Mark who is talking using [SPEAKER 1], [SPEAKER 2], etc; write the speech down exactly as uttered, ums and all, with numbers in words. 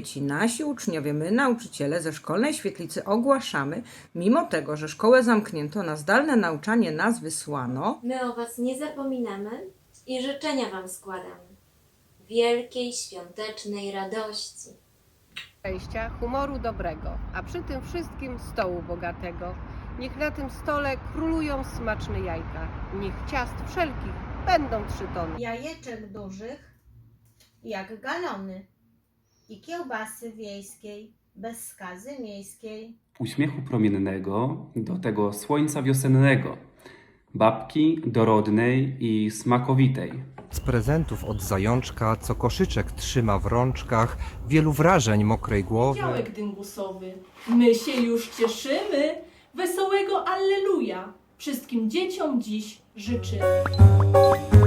[SPEAKER 1] dzieci, nasi uczniowie, my nauczyciele ze szkolnej świetlicy ogłaszamy, mimo tego, że szkołę zamknięto, na zdalne nauczanie nas wysłano.
[SPEAKER 2] My o Was nie zapominamy i życzenia Wam składamy. Wielkiej świątecznej radości.
[SPEAKER 3] Szczęścia, humoru dobrego, a przy tym wszystkim stołu bogatego. Niech na tym stole królują smaczne jajka. Niech ciast wszelkich będą trzy tony.
[SPEAKER 4] Jajeczek dużych jak galony i kiełbasy wiejskiej bez skazy miejskiej.
[SPEAKER 5] Uśmiechu promiennego do tego słońca wiosennego, babki dorodnej i smakowitej.
[SPEAKER 6] Z prezentów od zajączka, co koszyczek trzyma w rączkach, wielu wrażeń mokrej głowy.
[SPEAKER 7] Działek dyngusowy, my się już cieszymy, wesołego Alleluja wszystkim dzieciom dziś życzymy.